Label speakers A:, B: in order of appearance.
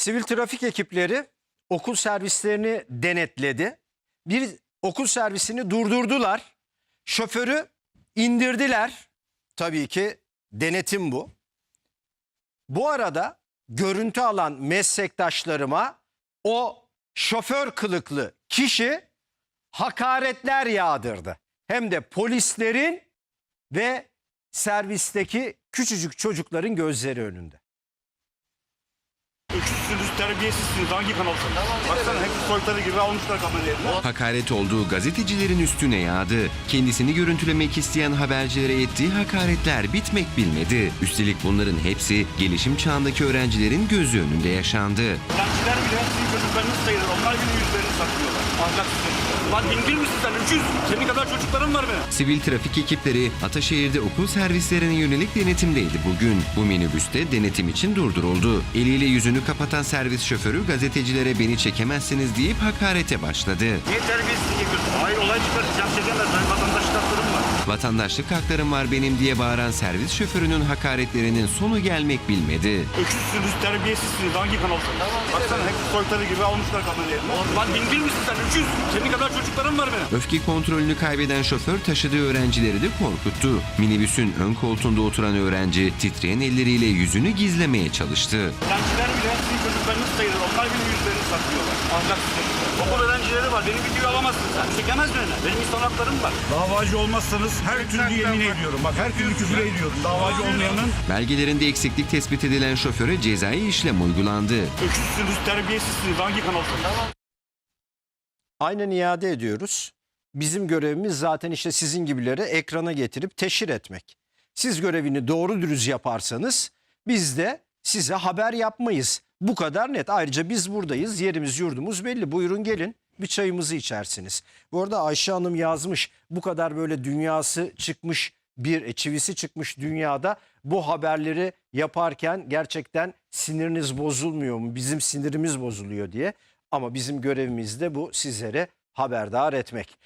A: Sivil trafik ekipleri okul servislerini denetledi. Bir okul servisini durdurdular. Şoförü indirdiler. Tabii ki denetim bu. Bu arada görüntü alan meslektaşlarıma o şoför kılıklı kişi hakaretler yağdırdı. Hem de polislerin ve servisteki küçücük çocukların gözleri önünde.
B: Öksüzsünüz, terbiyesizsiniz. Hangi kanalsınız? Baksana hepsi soytarı gibi almışlar kamerayı.
C: Hakaret olduğu gazetecilerin üstüne yağdı. Kendisini görüntülemek isteyen habercilere ettiği hakaretler bitmek bilmedi. Üstelik bunların hepsi gelişim çağındaki öğrencilerin gözü önünde yaşandı.
B: Öğrenciler bile sizin çocuklarınız sayılır. Onlar bile yüzlerini saklıyorlar. Ahlaksız çocuklar. Lan dingil misin sen? Öküz. Senin kadar çocukların var benim.
C: Sivil trafik ekipleri Ataşehir'de okul servislerine yönelik denetimdeydi bugün. Bu minibüste denetim için durduruldu. Eliyle yüzünü kapatan servis şoförü gazetecilere beni çekemezsiniz deyip hakarete başladı.
B: Niye terbiyesizlik yapıyorsun? Hayır olay çıkartacağım çekemez. Benim vatandaşlık haklarım var.
C: Vatandaşlık haklarım var benim diye bağıran servis şoförünün hakaretlerinin sonu gelmek bilmedi.
B: Öksüzsünüz, terbiyesizsiniz. Hangi kanalsınız? Baksana hepsi soytarı gibi almışlar kamerayı. Lan dingil misin sen? Öküz. Senin kadar çocukların var benim.
C: Öfke kontrolünü kaybeden şoför taşıdığı öğrencileri de korkuttu. Minibüsün ön koltuğunda oturan öğrenci titreyen elleriyle yüzünü gizlemeye çalıştı.
B: Öğrenciler bile sizin çocuklarınız sayılır. Onlar bile yüzlerini saklıyorlar. Ahlaksız çocuklar. Okul öğrencileri var. Benim videoyu alamazsın sen. Çekemez beni. Benim insan haklarım var. Davacı olmazsanız her türlü yemin ediyorum. Bak her türlü küfür ediyorum. Davacı olmayanın
C: Belgelerinde eksiklik tespit edilen şoföre cezai işlem uygulandı.
B: öksüzsünüz, terbiyesizsiniz. Hangi kanalsınız?
A: Aynen iade ediyoruz. Bizim görevimiz zaten işte sizin gibileri ekrana getirip teşhir etmek. Siz görevini doğru dürüst yaparsanız biz de size haber yapmayız. Bu kadar net. Ayrıca biz buradayız. Yerimiz yurdumuz belli. Buyurun gelin bir çayımızı içersiniz. Bu arada Ayşe Hanım yazmış. Bu kadar böyle dünyası çıkmış çivisi çıkmış dünyada bu haberleri yaparken gerçekten siniriniz bozulmuyor mu? Bizim sinirimiz bozuluyor diye. Ama bizim görevimiz de bu, sizlere haberdar etmek.